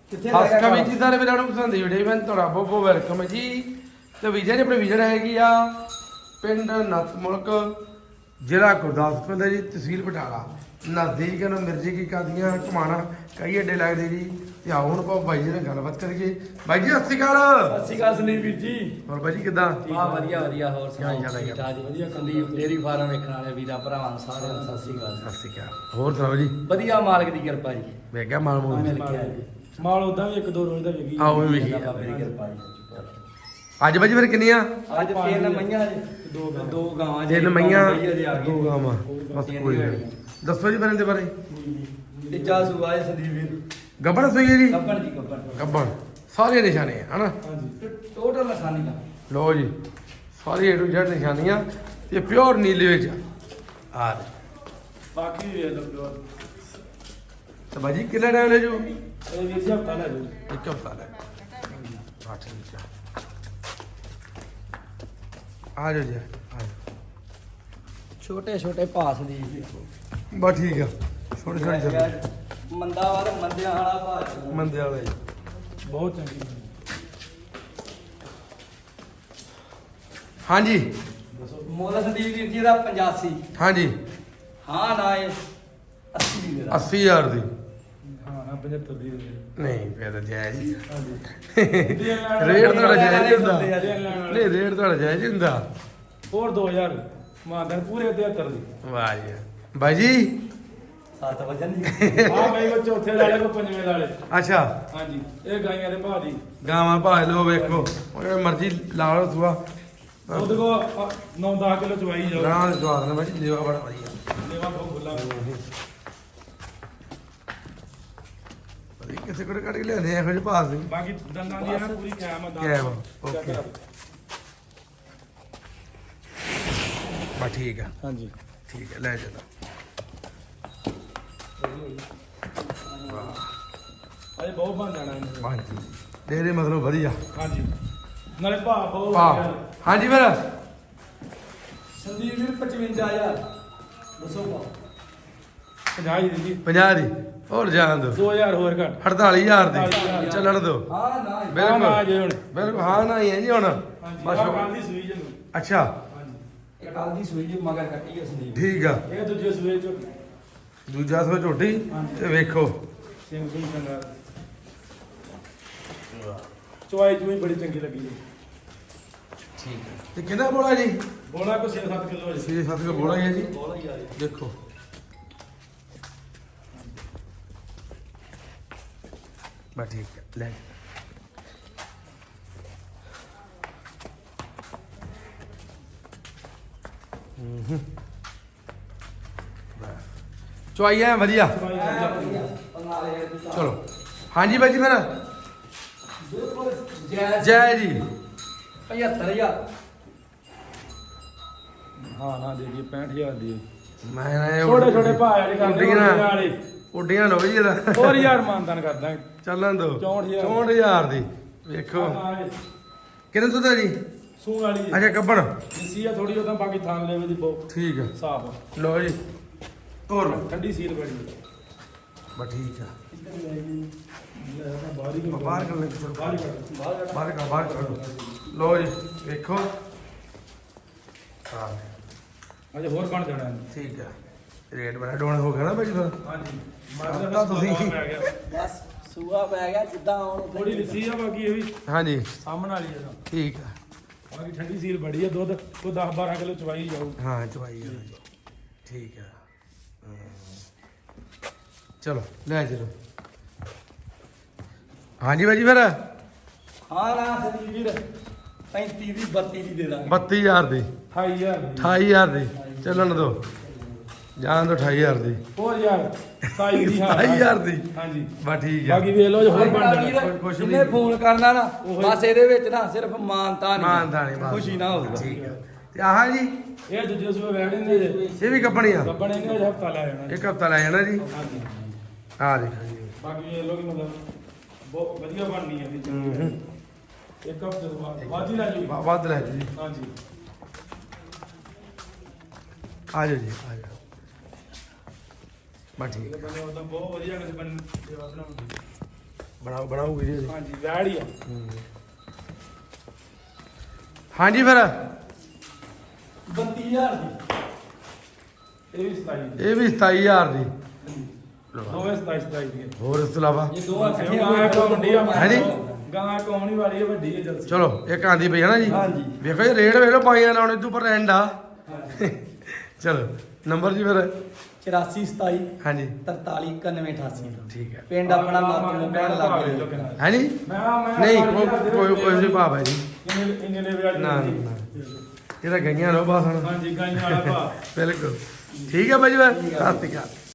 ਹਸਕਾ ਵੀ ਜੀ ਸਾਰੇ ਵੀਰਾਂ ਨੂੰ ਪਸੰਦ ਦੀ ਵੀਡੀਓ ਮੈਂ ਤੁਹਾਡਾ ਬਹੁਤ ਬਹੁਤ ਵੈਲਕਮ ਹੈ ਜੀ। ਤੇ ਵੀਜ਼ਾ ਜੀ ਆਪਣੇ ਵਿਜ਼ਿਟ ਹੈਗੀ ਆ ਪਿੰਡ ਨਤਮੁਲਕ, ਜ਼ਿਲ੍ਹਾ ਗੁਰਦਾਸਪੁਰ ਦਾ ਜੀ, ਤਹਿਸੀਲ ਬਟਾਲਾ। ਨਜ਼ਦੀਕ ਨੂੰ ਮਿਰਜੀ ਕੀ ਕਾਦੀਆਂ ਘੁਮਾਣਾ ਕਈ ਅੱਡੇ ਲੱਗਦੇ ਜੀ। ਤੇ ਆਓ ਹੁਣ ਆਪਾਂ ਬਾਈ ਜੀ ਨਾਲ ਗੱਲਬਾਤ ਕਰੀਏ। ਬਾਈ ਜੀ ਸਤਿ ਸ਼੍ਰੀ ਅਕਾਲ। ਸਤਿ ਸ਼੍ਰੀ ਅਕਾਲ ਸੰਦੀਪ ਵੀਰ ਜੀ। ਹੋਰ ਬਾਈ ਜੀ ਕਿੱਦਾਂ? ਵਾਹ ਵਧੀਆ ਵਧੀਆ। ਹੋਰ ਸੁਣਾਓ? ਠੀਕ ਠਾਕ ਜੀ ਵਧੀਆ। ਸੰਦੀਪ ਡੇਅਰੀ ਫਾਰਮ ਵੇਖਣ ਵਾਲੇ ਵੀਰਾਂ ਭਰਾਵਾਂ ਨੂੰ ਸਾਰਿਆਂ ਨੂੰ ਸਤਿ ਸ਼੍ਰੀ ਅਕਾਲ। ਸਤਿ ਸ਼੍ਰੀ ਅਕਾਲ। ਹੋਰ ਸੁਣਾਓ ਜੀ? ਵਧੀਆ ਮਾਲਕ ਦੀ ਕਿਰਪਾ ਜੀ। ਵੇਖ ਗਿਆ ਮਾਲ ਮੂਲ ਮਾਲ ਉਦਾਂ ਵੀ ਇੱਕ ਦੋ ਰੋਜ਼ ਦਾ ਵੇਖੀ ਆਓ ਵੀ ਵੇਖੀ ਬਾਬੇ ਦੀ ਕਿਰਪਾ ਜੀ। ਅੱਜ ਬਾਈ ਜੀ ਫਿਰ ਕਿੰਨੀਆਂ? ਅੱਜ ਤਿੰਨ ਮਈਆਂ ਜੀ, ਦੋ ਗਾਵਾਂ ਜੀ, ਤਿੰਨ ਮਈਆਂ ਦੋ ਦੋ ਗਾਵਾਂ ਬਸ ਕੋਈ ਨਹੀਂ। ਦੱਸੋ ਜੀ ਫਿਰ ਇਹਦੇ ਬਾਰੇ। ਤੀਜਾ ਸੂਆ ਹੈ ਸੰਦੀਪ ਵੀਰ। ਗੱਬੜ ਸੋਈ ਹੈ ਜੀ? ਗੱਬਣ ਜੀ ਗੱਬਣ। ਗੱਬੜ ਸਾਰੇ ਨਿਸ਼ਾਨੇ ਆ ਹਨਾ। ਹਾਂਜੀ ਟੋਟਲ ਲਸਾਨੀ ਦਾ। ਲੋ ਜੀ ਸਾਰੀ A to Z ਨਿਸ਼ਾਨੀਆਂ ਤੇ ਪਿਓਰ ਨੀਲੇ ਵਿੱਚ ਆ ਰਹੇ। ਬਾਕੀ ਵੀ ਵੇਖ ਲਓ ਤੇ ਬਾਜੀ ਕਿੰਨਾ ਟਾਈਮ ਲੈ ਜੂ? ਇਹ ਵੀ ਸੀ ਹਫਤਾ ਲੈ ਜਾਓ। ਇੱਕ ਹਫ਼ਤਾ ਲੈ। ਹਾਂ ਠੀਕ ਆ। ਆ ਜਾਓ ਜੀ ਆ ਜਾਓ। ਛੋਟੇ ਛੋਟੇ ਭਾਸ ਦੀ ਬਸ ਠੀਕ ਆ। ਛੋਟੇ ਛੋਟੇ ਚੱਲ ਮੰਦਾ ਵਾਲਾ ਮੰਦਿਆਂ ਵਾਲਾ ਭਾਸ। ਮੰਦੇ ਵਾਲਾ ਜੀ। ਬਹੁਤ ਚੰਗੀ ਹਾਂਜੀ ਮੋਲਾ ਸੰਦੀਪ ਵੀਰ ਜੀ ਦਾ 85। ਹਾਂਜੀ ਹਾਂ ਨਾ ਇਹ 80 ਦੀ ਮੇਰਾ। 80000 ਦੀ। ਹਾਂ ਨਾ 75 ਦੀ ਨਹੀਂ ਫਿਰ ਤਾਂ ਜਾਇਜ਼ ਹੀ ਆ। ਹਾਂਜੀ ਰੇਟ ਤੁਹਾਡਾ ਜਾਇਜ਼ ਹੀ ਹੁੰਦਾ। ਦੇਣ ਲੈਣ ਵਾਲੇ। ਨਹੀਂ ਰੇਟ ਤੁਹਾਡਾ ਜਾਇਜ਼ ਹੀ ਹੁੰਦਾ। ਹੋਰ 2000 ਮਾਨਦਾਰ ਪੂਰੇ 73 ਦੀ। ਵਾਹ ਜੀ ਬਾਈ ਜੀ। 7 ਵਜਨ ਦੀ। ਆ ਗਈ ਕੋ ਚੌਥੇ ਵਾਲੇ ਕੋ ਪੰਜਵੇਂ ਵਾਲੇ। ਅੱਛਾ ਹਾਂਜੀ ਇਹ ਗਾਈਆਂ ਦੇ ਭਾਅ ਦੀ। ਗਾਵਾਂ ਭਾਜ ਲੋ ਵੇਖੋ ਉਹ ਮਰਜ਼ੀ ਲਾ ਲਓ ਸੁਆ। ਉਹਦੇ ਕੋ 9-10 ਕਿਲੋ ਚਵਾਈ ਜਾਓ। ਗਾਂ ਦੇ ਸਵਾਦ ਨਾਲ ਬਾਈ ਜੀ ਲੇਵਾ ਬੜਾ ਵਧੀਆ। ਲੇਵਾ ਬਹੁਤ ਖੁੱਲਾ। ਵਧੀਆ ਕਿਸੇ ਕੋਲ ਕੱਢ ਕੇ ਲਿਆਉਂਦੇ ਇਹੋ ਜਿਹੇ ਭਾਜ ਨਹੀਂ। ਬਾਕੀ ਦੰਦਾਂ ਦੀ ਹੈ ਨਾ ਪੂਰੀ ਕਿਆਮਤ ਦਾ। ਕਿਆ ਵਾ, ਓਕੇ। ਬਸ ਠੀਕ ਆ। ਹਾਂਜੀ ਠੀਕ ਹੈ ਲੈ ਚਲੋ। ਅਜੇ ਬਹੁਤ ਬਣ ਜਾਣਾ ਇਹਨੇ। ਹਾਂਜੀ ਤੇਰੇ ਮਤਲਬ ਵਧੀਆ। ਹਾਂਜੀ ਨਾਲੇ ਭਾਅ ਬਹੁਤ ਵਾਹ ਵਧੀਆ। ਹਾਂਜੀ ਫਿਰ ਸੰਦੀਪ ਵੀਰ 55000 ਦੱਸੋ ਪਾ। 50 ਦੀ ਜੀ 50 ਦੀ ਹੋਰ ਜਾਣ ਦੋ। 2000 ਹੋਰ ਘੱਟ। 48000 ਦੀ ਚੱਲਣ ਦੋ। ਹਾਂ ਨਾ ਜੀ। ਹਾਂ ਨਾ ਜੇ ਹੁਣ। ਬਿਲਕੁਲ ਹਾਂ ਨਾ ਹੀ ਹੈ ਜੀ ਹੁਣ। ਹਾਂਜੀ ਬਸ ਆਹ ਕੱਲ੍ਹ ਦੀ ਸੂਈ ਜੀ ਨੂੰ। ਅੱਛਾ ਇਹ ਕੱਲ ਦੀ ਸੂਈ ਜੀ ਮਗਰ ਕੱਟੀ ਹੈ ਸੰਦੀਪ। ਠੀਕ ਆ। ਇਹ ਦੂਜੇ ਸੂਏ ਚ ਦੂਜਾ ਸੋ ਝੋਟੀ ਤੇ ਵੇਖੋ ਸਿੰਘ ਸਿੰਘ ਚੰਗਾ। ਚਵਾਈ ਚੂਈ ਬੜੀ ਚੰਗੀ ਲੱਗੀ ਜੀ। ਠੀਕ ਹੈ। ਤੇ ਕਿੰਨਾ ਬੋਲਾ ਜੀ? ਬੋਲਾ ਕੋ 6-7 ਕਿਲੋ ਜੀ। 6-7 ਕਿਲੋ ਬੋਲਾ ਹੈ ਜੀ। ਬੋਲਾ ਹੀ ਆ ਜੀ। ਦੇਖੋ ਬਸ ਠੀਕ ਹੈ ਲੈ। ਚੁਆਈ ਹੈ ਵਧੀਆ। ਚਵਾਈ ਵਧੀਆ। ਚਲੋ ਹਾਂਜੀ ਬਾਈ ਜੀ ਫਿਰ ਬਿਲਕੁਲ ਜੈ ਜੈ ਜੀ। 75000 ਹਾਂ ਨਾ ਦੇ ਜੀ 65000 ਦੀ। ਮੈਂ ਨਾ ਇਹ ਛੋਟੇ ਛੋਟੇ ਭਾਅ ਜਿਹੜੇ ਕਰਦੇ ਉੱਡੀਆਂ ਵਾਲੇ। ਉੱਡੀਆਂ ਲਓ ਜੀ ਇਹਦਾ। ਹੋਰ ਯਾਰ ਮਾਨਦਾਨ ਕਰਦਾ। ਚੱਲਣ ਦੋ 64,000 64,000 ਦੀ। ਵੇਖੋ ਕਿੰਨੇ ਦੁੱਧ ਹੈ ਜੀ? ਸੂਣ ਵਾਲੀ ਜੀ। ਅੱਛਾ ਗੱਬੜ ਦੇਸੀ ਆ ਥੋੜੀ ਉਹਦਾ ਬਾਕੀ ਥਾਂ ਲੈਵੇ ਦੀ ਬਹੁਤ ਠੀਕ ਹੈ। ਸਾਫ। ਲਓ ਜੀ ਤੋਰ ਲਓ। ਠੰਡੀ ਸੀਲ ਬੜੀ। ਬਸ ਠੀਕ ਆ। ਬਾਹਰ ਹੀ ਬਾਹਰ ਕਰ ਲੈ ਚਲੋ ਬਾਹਰ ਹੀ ਕੱਢ। ਬਾਹਰ ਕੱਢੋ। ਲਓ ਜੀ ਵੇਖੋ ਹਾਂ ਅਜੇ ਹੋਰ ਬਣ ਜਾਣਾ ਇਹਨੂੰ। ਠੀਕ ਹੈ। ਰੇਟ ਬੜਾ ਡਾਊਨ ਹੋ ਗਿਆ ਨਾ ਭਾਈ ਫਿਰ। ਹਾਂਜੀ ਤਾਂ ਤੁਸੀਂ ਪੈ ਗਿਆ। ਬਸ ਸੂਆ ਪੈ ਗਿਆ ਜਿੱਦਾਂ ਹੁਣ ਥੋੜੀ ਲਿੱਸੀ ਆ ਬਾਕੀ ਇਹ ਵੀ ਹਾਂਜੀ ਸਾਹਮਣ ਵਾਲੀ ਆ। ਠੀਕ ਆ। ਬਾਕੀ ਠੰਡੀ ਸੀਲ ਬੜੀ ਆ। ਦੁੱਧ ਕੋ 10-12 ਕਿਲੋ ਚਵਾਈ ਜਾਊ। ਹਾਂ ਚਵਾਈ ਆ ਜੀ। ਠੀਕ ਆ। ਚਲੋ ਲੈ ਚਲੋ। ਹਾਂਜੀ ਭਾਈ ਜੀ ਫਿਰ ਹਾਂ ਨਾ ਸੰਦੀਪ ਵੀਰ 35 ਦੀ 32 ਦੀ ਦੇ ਦਾਂਗੇ। 32000 ਦੀ 28000 ਦੀ। 28000 ਦੀ ਚੱਲਣ ਦੋ। ਜਾਣ ਦੋ 28000 ਦੀ। ਹੋਰ ਯਾਰ 27 ਦੀ। ਹਾਂ 28000 ਦੀ। ਹਾਂਜੀ ਬਸ ਠੀਕ ਆ। ਬਾਕੀ ਵੇਖ ਲਓ ਜੇ ਹੋਰ ਬਣ ਜਾਣਾ। ਕੁਛ ਜਿਹਨੇ ਨਹੀਂ। ਫੋਨ ਕਰਨਾ ਨਾ ਬਸ ਇਹਦੇ ਵਿੱਚ ਨਾ ਸਿਰਫ ਮਾਨਤਾ ਨਹੀਂ ਮਾਨਤਾ ਨਹੀਂ ਬਸ। ਖੁਸ਼ੀ ਨਾ ਹੋਊਗਾ। ਠੀਕ ਆ। ਤੇ ਆਹ ਜੀ ਇਹ ਦੂਜੇ ਸੂਏ ਬੈਠ ਨੇ ਜੇ। ਇਹ ਵੀ ਕੱਪਣੀ ਆ। ਗੱਬਣ ਇਹਨੇ ਹਫਤਾ ਲੈ ਜਾਣਾ। ਇੱਕ ਹਫਤਾ ਲੈ ਜਾਣਾ ਜੀ। ਹਾਂਜੀ ਆ ਦੇਖੋ ਜੀ। ਬਾਕੀ ਇਹ ਲੋਕ ਮਤਲਬ ਬਹੁਤ ਵਧੀਆ ਬਣਨੀ ਹੈ ਵੀ ਹੂੰ। ਇੱਕ ਹਫਤੇ ਤੋਂ ਬਾਅਦ ਵੱਧ ਹੀ ਲੈ ਜੂ। ਵੱਧ ਲੈ ਜੀ। ਹਾਂਜੀ ਆ ਜਾਓ ਜੀ ਆ ਜਾਓ। ਬਸ ਠੀਕ ਇਹ ਬੰਦੇ ਉਦੋਂ ਬਹੁਤ ਵਧੀਆ ਕਿਸੇ ਬੰਦੇ ਸੇਵਾ ਬਣਾਉਂਦੇ। ਬਣਾਓ ਵੀਡੀਓ ਜੀ। ਹਾਂਜੀ ਵੈੜ ਹੀ ਆ। ਹਾਂਜੀ ਫਿਰ 32000 ਦੀ ਇਹ ਵੀ 27 ਦੀ। ਇਹ ਵੀ 27000 ਦੀ। ਦੋਵੇਂ 27 ਦੀ। ਹੋਰ ਇਸ ਤੋਂ ਇਲਾਵਾ ਇਹ ਦੋਵਾਂ ਇਕੱਠੀਆਂ ਗਾਂ ਕੌਂਡੀ ਆ ਹੈ ਜੀ? ਗਾਂ ਕੌਣੀ ਵਾਲੀ ਹੈ ਵੱਡੀ ਹੈ ਜਲਸੀ। ਚਲੋ ਇੱਕ ਆਂਦੀ ਪਈ ਹੈ ਨਾ ਜੀ। ਹਾਂਜੀ। ਵੇਖੋ ਜੀ ਰੇਟ ਵੇਖ ਲਓ ਪਾਈਆਂ ਲਾਉਣੇ ਤੋਂ ਪਰ ਐਂਡ ਆ। ਚਲੋ ਨੰਬਰ ਜੀ ਫਿਰ 84 27 ਹਾਂਜੀ 43 91 88 ਠੀਕ ਹੈ। ਪਿੰਡ ਆਪਣਾ ਨਾਤੂ ਕਹਿਣ ਲੱਗ ਗਏ ਹੈ ਜੀ ਮੈਂ ਨਹੀਂ ਕੋਈ ਨਹੀਂ ਭਾਵ ਹੈ ਜੀ। ਇੰਨੇ ਦੇ ਵਿਆਜ ਨਾ ਨਾ ਇਹਦਾ ਗਈਆਂ ਲੋ ਬਸ ਹੁਣ। ਹਾਂਜੀ ਗਾਈਆਂ ਵਾਲਾ ਭਾ। ਬਿਲਕੁਲ ਠੀਕ ਹੈ ਬਾਈ ਜੀ। ਸਤਿ ਸ਼੍ਰੀ ਅਕਾਲ।